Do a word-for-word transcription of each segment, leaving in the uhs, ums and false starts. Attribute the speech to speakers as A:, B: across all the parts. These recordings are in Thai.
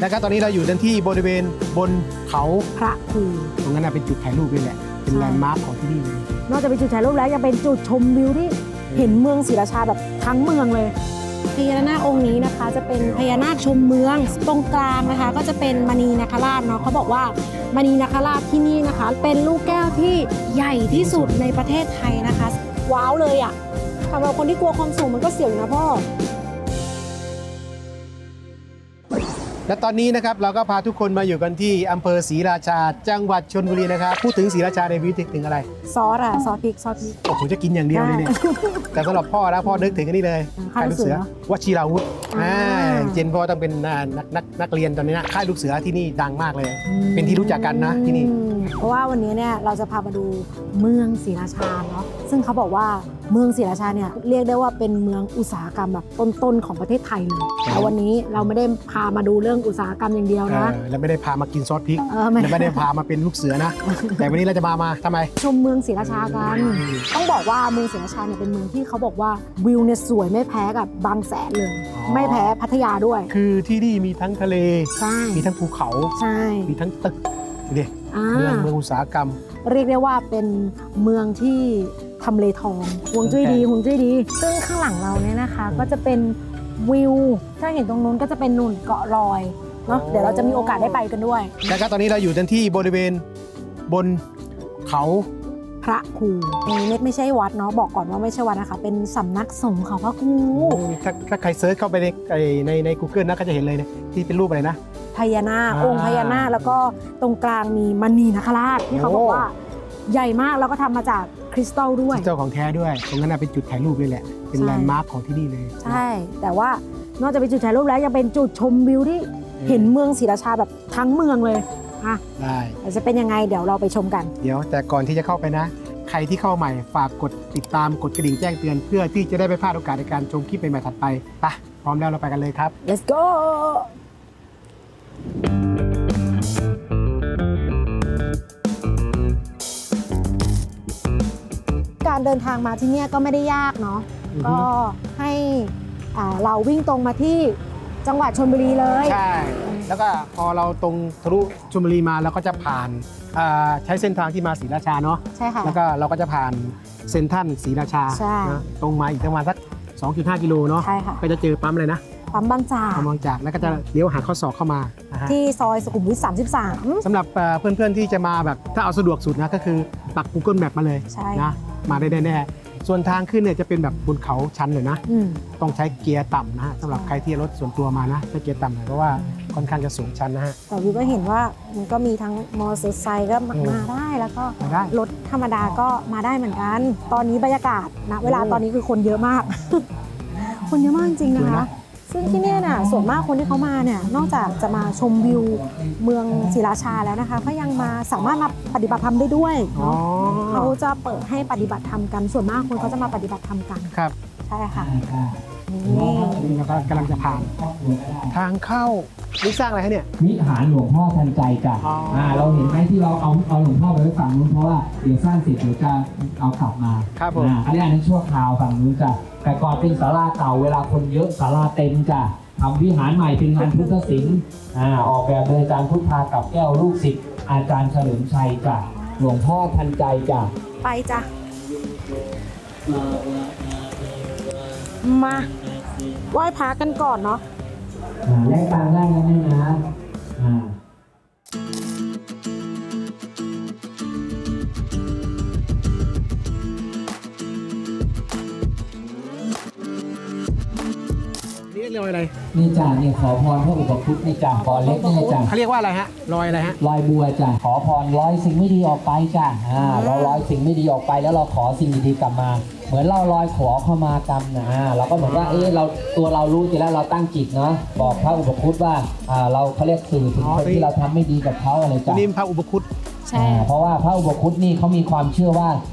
A: แล้วก็ตอนนี้เราอยู่กันที่บริเวณบนเขา
B: พระครู
A: ตรงนั้นเป็นจุดถ่ายรูปนี่แหละเป็นแลนด์มาร์คของที่นี่เลย
B: นอกจากเป็นจุดถ่ายรูปแล้วยังเป็นจุดชมวิวที่เห็นเมืองศรีราชาแบบทั้งเมืองเลยพญานาคองค์นี้นะคะจะเป็นพญานาคชมเมืองตรงกลางนะคะก็จะเป็นมณีนาคราชเนาะเขาบอกว่ามณีนาคราชที่นี่นะคะ เป็นลูกแก้วที่ใหญ่ที่สุดในประเทศไทยนะคะว้าวเลยอ่ะสำหรับคนที่กลัวความสูงมันก็เสี่ยงนะพ่อ
A: และตอนนี้นะครับเราก็พาทุกคนมาอยู่กันที่อำเภอศรีราชาจังหวัดชลบุรีนะครับพูดถึงศรีราชาในวิถีถึงอะไร
B: ซอสอะซอสพริกซอสพริก
A: โอ้โหจะกินอย่างเดียวเลยเนี่ยแต่สำหรับพ่อนะพ่อนึกถึงอันนี้เลย
B: ค่ายลูกเสือ
A: วชิราวุธ
B: อ่า
A: เจนพ่อต้องเป็นนักนักนักเรียนตอนนี้นะค่ายลูกเสือที่นี่ดังมากเลย เป็นที่รู้จักกันนะที่นี่
B: เพราะว่าวันนี้เนี่ยเราจะพามาดูเมืองศรีราชาเนาะซึ่งเขาบอกว่าเมืองศรีราชาเนี่ยเรียกได้ว่าเป็นเมืองอุตสาหกรรมแบบต้นๆของประเทศไทยเลยแต่วันนี้เราไม่ได้พามาดูเรื่องอุตสาหกรรมอย่างเดียวนะ
A: เออแล้วไม่ได้พามากินซอสพริก
B: เออไม่
A: และไม่ได้พามาเป็นลูกเสือนะ แต่วันนี้เราจะมามาทำไม
B: ชมเมืองศรีราชากันต้องบอกว่าเมืองศรีราชาเนี่ยเป็นเมืองที่เขาบอกว่าวิวเนี่ยสวยไม่แพ้กับบางแสนเลย
A: อ๋อ
B: ไม่แพ้พัทยาด้วย
A: คือที่นี่มีทั้งทะเล
B: ใช่
A: มีทั้งภูเขา
B: ใช่
A: มีทั้งตึกดูดิ
B: อ่า
A: เมืองเมืองอุตสาหกรรม
B: เรียกได้ว่าเป็นเมืองที่ทำเลทองห่วงจุ้ยดีห่วงจุ้ยดี ซึ่งข้างหลังเราเนี่ยนะคะ ก็จะเป็นวิว ถ้าเห็นตรงนู้นก็จะเป็นหนุนเกาะลอยเนาะ
A: โอ้
B: เดี๋ยวเราจะมีโอกาสได้ไปกันด้วย
A: แล้วก็ตอนนี้เราอยู่กันที่บริเวณบนเขา
B: พระครูนี่ไม่ไม่ใช่วัดเนาะบอกก่อนว่าไม่ใช่วัดนะคะเป็นสำนักสงฆ์เขาพระครู
A: ถ้าถ้าใครเซิร์ชเข้าไปในในใน Google นะก็จะเห็นเลยเนี่ยที่เป็นรูปอะไรนะ
B: พญานาค
A: อ่า
B: องค์พญานาคแล้วก็ตรงกลางมีมณีนาคราชที่เขาบอก
A: โอ้
B: ว่าใหญ่มากแล้วก็ทำมาจากคริสตัลด้วย
A: เจ้าของแท้ด้วย ตรงนั้นนะเป็นจุดถ่ายรูปนี่แหละ เป็น
B: ใช่
A: แลนด์มาร์คของที่นี่เลย
B: ใช่ แต่ว่านอกจากเป็นจุดถ่ายรูปแล้วยังเป็นจุดชมวิวที่เห็นเมืองศรีราชาแบบทั้งเมืองเลยอ่ะ
A: ได้
B: เดี๋ยวจะเป็นยังไงเดี๋ยวเราไปชมกัน
A: เดี๋ยวแต่ก่อนที่จะเข้าไปนะ ใครที่เข้าใหม่ฝากกดติดตามกดกระดิ่งแจ้งเตือน เพื่อที่จะได้ไม่พลาดโอกาสในการชมคลิปใหม่ๆถัดไปไปพร้อมแล้วเราไปกันเลยครับ
B: let's go การเดินทางมาที่เนี่ยก็ไม่ได้ยากเนาะ
A: อือฮึ
B: ก็ให้อ่าเราวิ่งตรงมาที่จังหวัดชลบุรีเลย
A: ใช่ แล้วก็พอเราตรงทะลุชลบุรีมาเราก็จะผ่านอ่าใช้เส้นทางที่มาศรีราชาเนาะ
B: ใช่ค่ะ
A: แล้วก็เราก็จะผ่านเซ็นทรัลศรีราชา
B: ใช่
A: นะตรงมาอีกประมาณสัก สองจุดห้า กิโลเนาะ
B: ใช่ค่ะ
A: ก็จะเจอปั๊มเลยนะ
B: ปั๊มบางจาก
A: ปั๊มบางจากแล้วก็จะเลี้ยวหาข้อศอกเข้ามานะฮะ
B: ที่ซอยสุขุมวิทสามสิบสาม
A: สำหรับเอ่อเพื่อนๆที่จะมาแบบถ้าเอาสะดวกสุดนะก็คือปัก Google Map มาเลย
B: ใช่
A: นะมาได้แน่ๆส่วนทางขึ้นเนี่ยจะเป็นแบบบนเขาชันหน่อยนะ
B: อืม
A: ต้องใช้เกียร์ต่ำนะฮะสำหรับใครที่รถส่วนตัวมานะใช้เกียร์ต่ำหน่อยเพราะว่าค่อนข้างจะสูงชันนะฮะ
B: แต่วิวก็เห็นว่ามันก็มีทั้งมอเตอร์ไซค์ก็มา
A: อืม
B: มาได้แล้วก็
A: มาได้
B: รถธรรมดาก็มาได้เหมือนกัน ตอนนี้บรรยากาศนะเวลา
A: โอ้
B: ตอนนี้คือคนเยอะมาก คนเยอะมากจริงๆนะ
A: สวย
B: คะ
A: นะ
B: ซึ่งที่เนี่ยน่ะส่วนมากคนที่เขามาเนี่ยนอกจากจะมาชมวิวเมืองศรีราชาแล้วนะคะก็ยังมาสามารถมาปฏิบัติธรรมได้ด้วย
A: อ๋อ
B: เนาะเขาจะเปิดให้ปฏิบัติธรรมกันส่วนมากคนเขาจะมาปฏิบัติธรรมกัน
A: ครับ
B: ใช่ค่ะนี่
A: นี่เราก็กำลังจะผ่าน ทางเข้านี่สร้างอะไรฮะเนี่ย
C: วิหารหลวงพ่อทันใจจ้ะ
A: อ๋ออ่
C: าเราเห็นไหมที่เราเอาเอาหลวงพ่อไปไว้ฝั่งนู้นเพราะว่าเดี๋ยวสร้างเสร็จเดี๋ยวจะเอากลับมา
A: ครับผม
C: อ่าอันนี้อันนั้นชั่วคราวฝั่งนู้นจ้ะแต่ก่อนเป็นศาลาเก่าเวลาคนเยอะศาลาเต็มจ้ะทำวิหารใหม่เป็นงานพุทธศิลป์อ่าออกแบบโดยอาจารย์พุทธากับแก้วลูกศิษย์อาจารย์เฉลิมชัยจ้ะหลวงพ่อทันใจจ้ะ
B: ไปจ้ะมาไหว้พระกันก่อนเนาะ
C: อ่าแลกตังค์ได้นะแม่นะอ่า
A: นี่เรียกว่าอะไร
C: นี่จ้ะเนี่ยขอพรพระอุปคุตนี่จ้ะพรเล็กนี่จ้ะ
A: เขาเรียกว่าอะไรฮะรอยอะไรฮะ
C: ลอยบัวจ้ะขอพรร้อยสิ่งไม่ดีออกไปจ้ะอ่าเราร้อยสิ่งไม่ดีออกไปแล้วเราขอสิ่งดีๆกลับมา เหมือนเราลอยขอเข้ามากรรมนะอ่าเราก็เหมือนว่าเอ๊ะเราตัวเรารู้อยู่แล้วเราตั้งจิตเนาะบอกพระอุปคุตว่าอ่าเราเขาเรียกสื่อถึงคนที่เราทำไม่ดีกับเขาอะไร
A: ตัว
C: จ้ะ
A: นี้พระอุปคุต
B: ใช่
C: อ่าเพราะว่าพระอุปคุตนี่เขามีความเชื่อว่า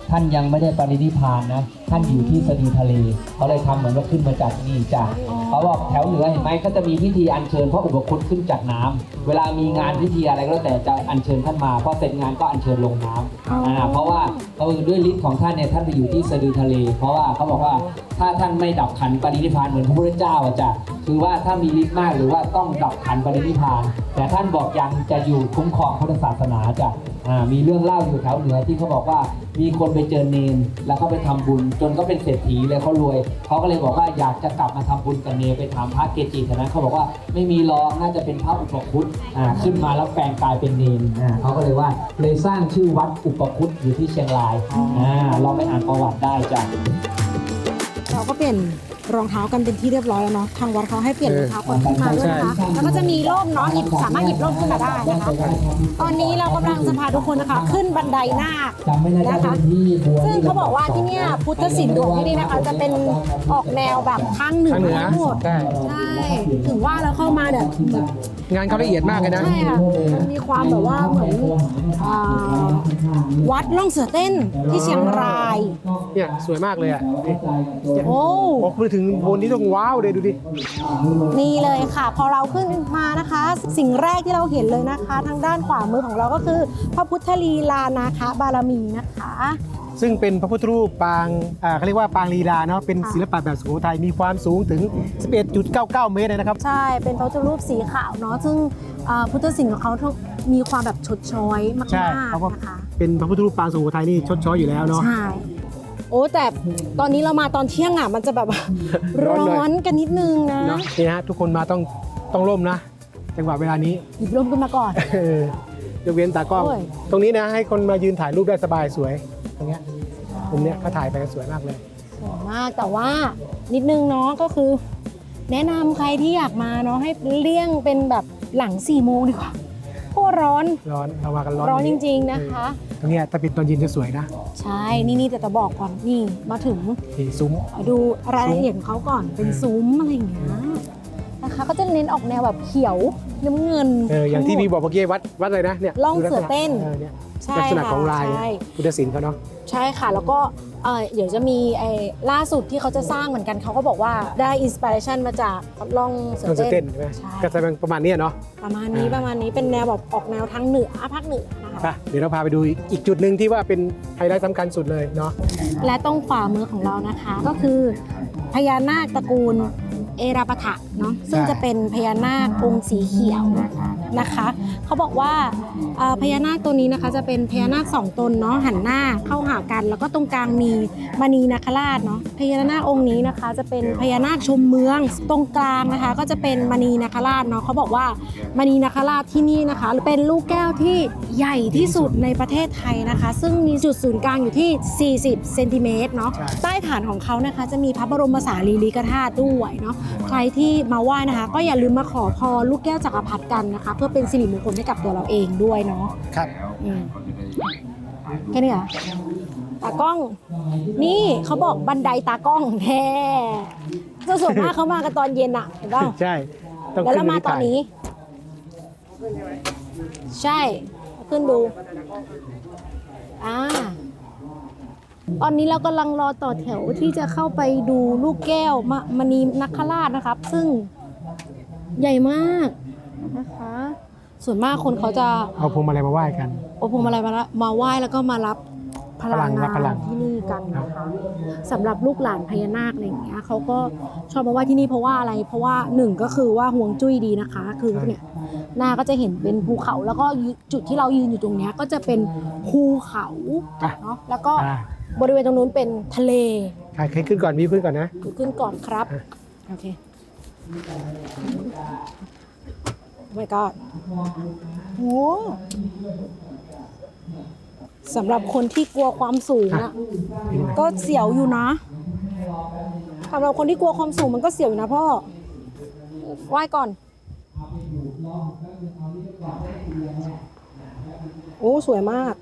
C: ท่านยังไม่ได้ปรินิพพานนะท่านอยู่ที่สะดือทะเลเขาเลยทำเหมือนว่าขึ้นมาจากนี่จ้ะเขาบอกแถวเหนือเห็นไหมก็จะมีพิธีอัญเชิญพระอุปคุตขึ้นจากน้ำเวลามีงานพิธีอะไรก็แล้วแต่จะอัญเชิญท่านมาพอเสร็จงานก็อัญเชิญลงน้ำอ่าเพราะว่าเขาด้วยฤทธิ์ของท่านเนี่ยท่านไปอยู่ที่สะดือทะเล เพราะว่าเขาบอกว่าถ้าท่านไม่ดับขันปรินิพพานเหมือนพระพุทธเจ้าอะจ้ะคือว่าถ้ามีฤทธิ์มากหรือว่าต้องดับขันปรินิพพานแต่ท่านบอกยังจะอยู่คุ้มครองพุทธศาสนาจ้ะอ่ามีเรื่องเล่าอยู่แถวเหนือที่เขาบอกว่ามีคนไปเจอเนนแล้วเขาไปทำบุญจนก็เป็นเศรษฐีเลยเขารวยเขาก็เลยบอกว่าอยากจะกลับมาทำบุญกับเนนไปถามพระเกจิแถวนั้นเขาบอกว่าไม่มีหรอกน่าจะเป็นพระอุปคุตอ่าขึ้นมาแล้วแปลงกายเป็นเนนอ่าเขาก็เลยว่าเลยสร้างชื่อวัดอุปคุตอยู่ที่เชียงรายอ่าเราไปอ่านประวัติได้จ้ะ
B: เราก็เปลี่ยนรองเท้ากันเป็นที่เรียบร้อยแล้วเนาะทางวัดเขาให้เปลี่ยนรองเท้าก่อนขึ้นมาด้วยนะคะแล้วก็จะมีร่มเนาะหยิบสามารถหยิบร่มขึ้นมาได้นะคะตอนนี้เรากำลังจะพาทุกคนนะคะขึ้นบันไดนาคนะคะซึ่งเขาบอกว่าที่เนี่ยพุทธศิลป์ของที่นี่นะคะจะเป็นออกแนวแบบทางเหนือ
A: ทางเหนือ
B: ทั้งหมด
A: ใช่
B: ใช่ถึงว่าเราเข้ามาเนี่ยแบบ
A: งานเขาละเอียดมากเลยนะ
B: ใช่ค่ะมันมีความแบบว่าเหมือนอ่าวัดล่องเสือเต้นที่เชียงราย
A: เนี่ยสวยมากเลยอ่ะนี่
B: โอ้
A: พอพูดถึงบนนี้ต้องว้าวเลยดูดิ
B: นี่เลยค่ะ พอเราขึ้นมานะคะ สิ่งแรกที่เราเห็นเลยนะคะ ทางด้านขวามือของเราก็คือพระพุทธลีลานาคบารมีนะคะ
A: ซึ่งเป็นพระพุทธรูปปางอ่าเขาเรียกว่าปางลีลาเนาะเป็นศิลปะแบบสุโขทัยมีความสูงถึง สิบเอ็ดจุดเก้าเก้า เมตรเลยนะครับ
B: ใช่เป็นพระพุทธรูปสีขาวเนาะซึ่งอ่าพุทธศิลป์ของเขามีความแบบชดช้อยมาก
A: ใช่
B: ๆ
A: เขาก็
B: นะคะ
A: เป็นพระพุทธรูปปางสุโขทัยนี่ชดช้อยอยู่แล้วเนาะ
B: ใช่โอ้แต่ตอนนี้เรามาตอนเที่ยงอ่ะมันจะแบบ
A: ร้
B: ร้
A: อนหน่อย
B: อนกันนิดนึงนะ
A: เนาะนี่ฮะทุกคนมาต้องต้องร่มนะจังหวะเวลานี้
B: หยิบร่มขึ้นมาก่อน
A: เออยกเว้นตากล้อง
B: โอ้ย
A: ตรงนี้นะให้คนมายืนถ่ายรูปได้สบายสวยตรงเนี้ยมุมเนี้ยเขาถ่ายไปกันสวยมากเลย
B: สวยมากแต่ว่านิดนึงเนาะก็คือ แนะนำใครที่อยากมาเนาะให้เลี่ยงเป็นแบบหลังสี่โมงดีกว่าเพราะว่าร้อน
A: ร้อนเรามากันร้อน
B: ร้อนจ
A: วั
B: ริงๆนะคะ
A: ตรงเนี้ยถ้าเป็นตอนเย็นจะสวยนะ
B: ใช่ นี่นี่แต่จะบอกก่อนนี่มาถึง
A: นี่ซุ้ม
B: ดูรายละเอียดของเขาก่อนเป็นซุ้มอะไรอย่างเงี้ยนะคะ ก็จะเน้นออกแนวแบบเขียวน้ำเงิน
A: เอออย่างที่พี่บอกเมื่อกี้วัดวัดอะไรนะเนี่ย
B: ล่องเสือเต้น
A: ออเนี่ย
B: ใช่
A: ลักษณะ
B: ค่ะ
A: ของลาย
B: ใช่
A: พุทธศิลป์เขาเนาะ
B: ใช่ค่ะ แล้วก็เอ่อเดี๋ยวจะมีไอ้ล่าสุดที่เขาจะสร้างเหมือนกันเขาก็บอกว่าได้อินสปิเรชันมาจากล่องเสื
A: ต้
B: อน
A: เสือ
B: เต้
A: เต้
B: น
A: นใช่ไหม
B: ใช่
A: ก็จะเป็นประมาณเนี้ยเนาะ
B: ประมาณนี้
A: อ่า
B: ประมาณนี้เป็นแนวแบบออกแนวทางเหนือภาคเหนือนะคะ
A: ไปเดี๋ยวเราพาไปดูอีกอีกจุดหนึ่งที่ว่าเป็นไฮไลท์สำคัญสุดเลยเนาะ
B: และตรงขวามือของเรานะคะ ก็คือพญานาคตระกูลเอราปะทะเนาะซึ่งจะเป็นพญานาคองค์สีเขียวนะคะเขาบอกว่าเอ่อพญานาคตัวนี้นะคะจะเป็นพญานาคสองตนเนาะหันหน้าเข้าหากัน แล้วก็ตรงกลางมีมณีนาคราชเนาะพญานาคองค์นี้นะคะจะเป็นพญานาคชมเมืองตรงกลางนะคะ ก็จะเป็นมณีนาคราชเนาะเขาบอกว่ามณีนาคราชที่นี่นะคะเป็นลูกแก้วที่ใหญ่ที่สุดในประเทศไทยนะคะ ซึ่งมีจุดศูนย์กลางอยู่ที่สี่สิบเซนติเมตรเนาะใต้ฐานของเขานะคะจะมีพระบรมสารีริกธาตุด้วยเนาะใครที่มาไหว้นะคะ ก็อย่าลืมมาขอพรลูกแก้วจักรพรรดิกันนะคะ เพื่อเป็นสิริมงคลให้กับตัวเราเองด้วยเนาะ
A: ครับ
B: อืมแค่นี้เหรอตากล้อง นี่เขาบอกบันไดตากล้องแท้ส่วนมากเขามากันตอนเย็นอะเห็นป่ะ
A: ใช่ต้อง
B: แล้ว
A: ขึ้
B: เรา
A: น
B: มาตอนนี้ ใช่ขึ้นดูอ่าตอนนี้เรากำลังรอต่อแถวที่จะเข้าไปดูลูกแก้วมะมณีนัคราชนะครับ ซึ่งใหญ่มากนะคะ ส่วนมากคนเขาจะ
A: เอาพวงมาลัยมาไหว้กัน
B: โอพวงมาลัยมาละมาไหว้แล้วก็มารับพลัง
A: พลังรับ
B: งา
A: พลั
B: น
A: ง
B: ที่นี่กันนะคะสำหรับลูกหลานพญานาคอะไรอย่างเงี้ยเขาก็ชอบมาไหว้ที่นี่เพราะว่าอะไร เพราะว่าหนึ่งก็คือว่าห่วงจุ้ยดีนะคะ คือเนี่ยหน้าก็จะเห็นเป็นภูเขาแล้วก็จุดที่เรายืนอยู่ตรงเนี้ยก็จะเป็นภูเขา
A: อ่ะ
B: เนาะแล้วก็
A: อ่า
B: บริเวณตรงนู้นเป็นทะเล
A: ใครใครขึ้นก่อนมีขึ้นก่อนนะ
B: ขึ้นก่อนครับ
A: อ่ะ
B: โอเคไม่ก็โหสำหรับคนที่กลัวความสูงอะก็เสียวอยู่นะสำหรับคนที่กลัวความสูงมันก็เสียวอยู่นะพ่อไหว้ก่อน โอ้สวยมาก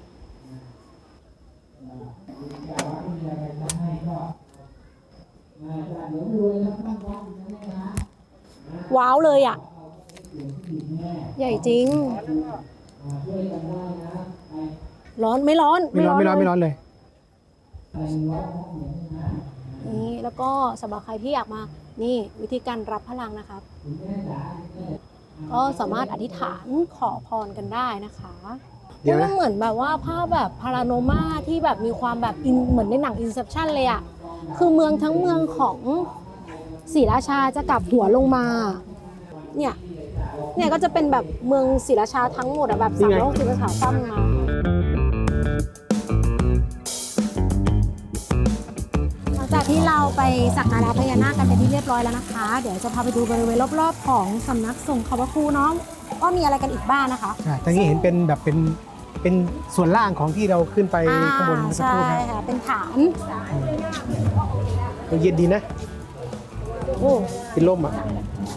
B: ว้าวเลยอ่ะ ใหญ่จริง ร้อนไม่ร้อน
A: ไม่ร้อนไม่ร้อน
B: เลย
A: ไม่ร้อนเลย
B: นี่แล้วก็สำหรับใครที่อยากมานี่วิธีการรับพลังนะครับ ก็สามารถอธิษฐานขอพรกันได้นะคะ
A: เดี๋ยวนะ
B: มันเหมือนแบบว่าภาพแบบพาราโนมาที่แบบมีความแบบอินเหมือนในหนัง Inception เลยอะคือเมืองทั้งเมืองของศรีราชาจะกลับหัวลงมาเนี่ยเนี่ยก็จะเป็นแบบเมืองศรีราชาทั้งหมดอะแบบสามร้อยหกสิบองศาตั้มมาหลังจากที่เราไปสักการะพญานาคกันเป็นที่เรียบร้อยแล้วนะคะ เดี๋ยวจะพาไปดูบริเวณรอบๆของสำนักสงฆ์เขาพระครูเนาะว่ามีอะไรกันอีกบ้างนะคะ
A: ใช่ตอนนี้เห็นเป็นแบบเป็นเป็นส่วนล่างของที่เราขึ้นไปข้างบนเมื่อสักค
B: ใช่
A: รู่นะ
B: ค่ะเป็นฐาน
A: มันเย็นดีนะ
B: โอ้
A: เป็นร่มอ่ะ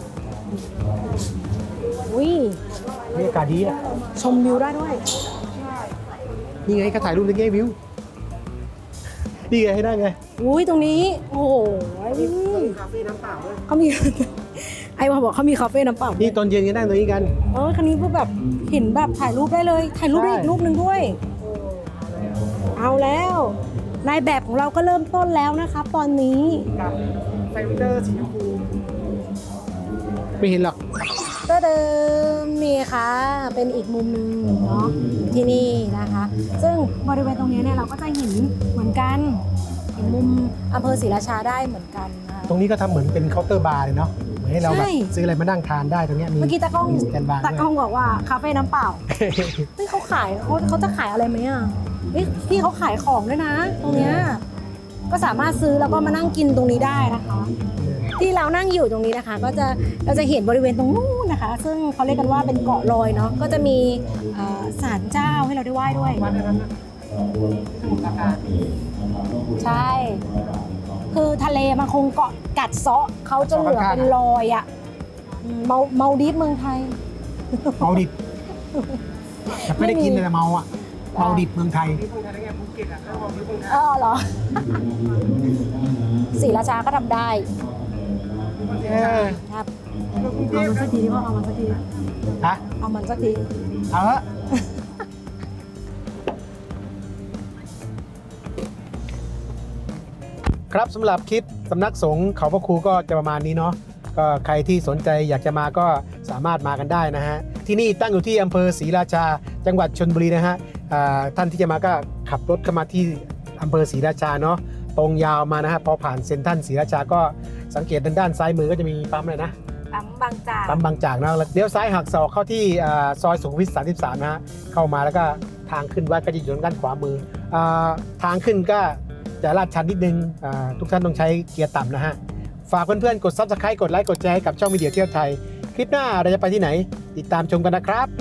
B: วิ
A: บรรยากาศดีอ่ะ
B: ชมวิวได้ด้วย
A: นี่ไงก็ถ่ายรูปตะกี้วิวนี่ไงให้ได้ไง
B: อุ้ยตรงนี้ โอ้โห
A: คาเฟ่น้ำเปล่าด้วย
B: เขามี ไอ้ว่าบอกเขามีคาเฟ่น้ำเปล่า
A: นี่ตอนเย็นก็นั่งตรงนี้กัน
B: เออคันนี้ก็แบบเห็นแบบถ่ายรูปได้เลย ถ่ายรูปได้
A: ใช่
B: อีกรูปหนึ่งด้วย เอาแล้วนายแบบของเราก็เริ่มต้นแล้วนะคะตอนนี้
A: กับไฟเตอร์สีชมพูไม่เห็นหรอก
B: ก็เดิมนี่ค่ะเป็นอีกมุมหนึ่งเนาะที่นี่นะคะ ซึ่งบริเวณตรงนี้เนี่ยเราก็จะเห็นเหมือนกันเห็นมุมอำเภอศรีราชาได้เหมือนกันนะคะ
A: ตรงนี้ก็ทำเหมือนเป็นเคาน์เตอร์บาร์เลยเนาะเหมือนให้เราแบบ
B: ใช่
A: ซื้ออะไรมานั่งทานได้ตรงเนี้ยมี
B: เมื่อกี้ตากล้อง
A: มีสแตนบาร์
B: ตากล้องบอกว่าคาเฟ่น้ำเปล่า เฮ้ยเขาขายเขาเขาจะขายอะไรไหมอ่ะเฮ้ยพี่เขาขายของด้วยนะ ตรงเนี้ยก็สามารถซื้อแล้วก็มานั่งกินตรงนี้ได้นะคะ ที่เรานั่งอยู่ตรงนี้นะคะ ก็จะเราจะเห็นบริเวณตรงนู้นนะคะ ซึ่งเขาเรียกกันว่าเป็นเกาะลอยเนาะก็จะมีเอ่อศาลเจ้าให้เราได้ไหว้ด้วย
A: วันนั้นนะสมุทรปราการ
B: ใช่ คือทะเลมันคงเกาะกัดเซาะเขาจนเหลือเป็นรอยอ่ะอืมเมาเมาดิฟเมืองไทย
A: เมาดิบแต่ไม่ได้กินแต่เมาอ่ะเมาดิบเมืองไทย
B: เออเหรอ ศรีราชาก็ทำได้
A: เออ
B: ครับเอามันสักทีดิพ่อเอามันสักที
A: ฮะ
B: เอามันสักที
A: เอาละครับสำหรับคลิปสำนักสงฆ์เขาพระครูก็จะประมาณนี้เนาะก็ใครที่สนใจอยากจะมาก็สามารถมากันได้นะฮะที่นี่ตั้งอยู่ที่อำเภอศรีราชาจังหวัดชลบุรีนะฮะอ่าท่านที่จะมาก็ขับรถเข้ามาที่อำเภอศรีราชาเนาะตรงยาวมานะฮะพอผ่านเซ็นทรัลศรีราชาก็สังเกตด้านด้านซ้ายมือก็จะมีปั๊มเลยนะ
B: ปั๊มบางจาก
A: ปั๊มบางจากนะแล้วเลี้ยวซ้ายหักศอกเข้าที่อ่าซอยสุขุมวิทสามสิบสามนะฮะเข้ามาแล้วก็ทางขึ้นวัดก็จะอยู่ทางด้านขวามืออาทางขึ้นก็จะลาดชันนิดนึงอ่าทุกท่านต้องใช้เกียร์ต่ำนะฮะฝากเพื่อนๆกด ซับสไครบ์ กดไลค์กดแชร์ให้กับช่องวิดีโอเที่ยวไทยคลิปหน้าเราจะไปที่ไหนติดตามชมกันนะครับ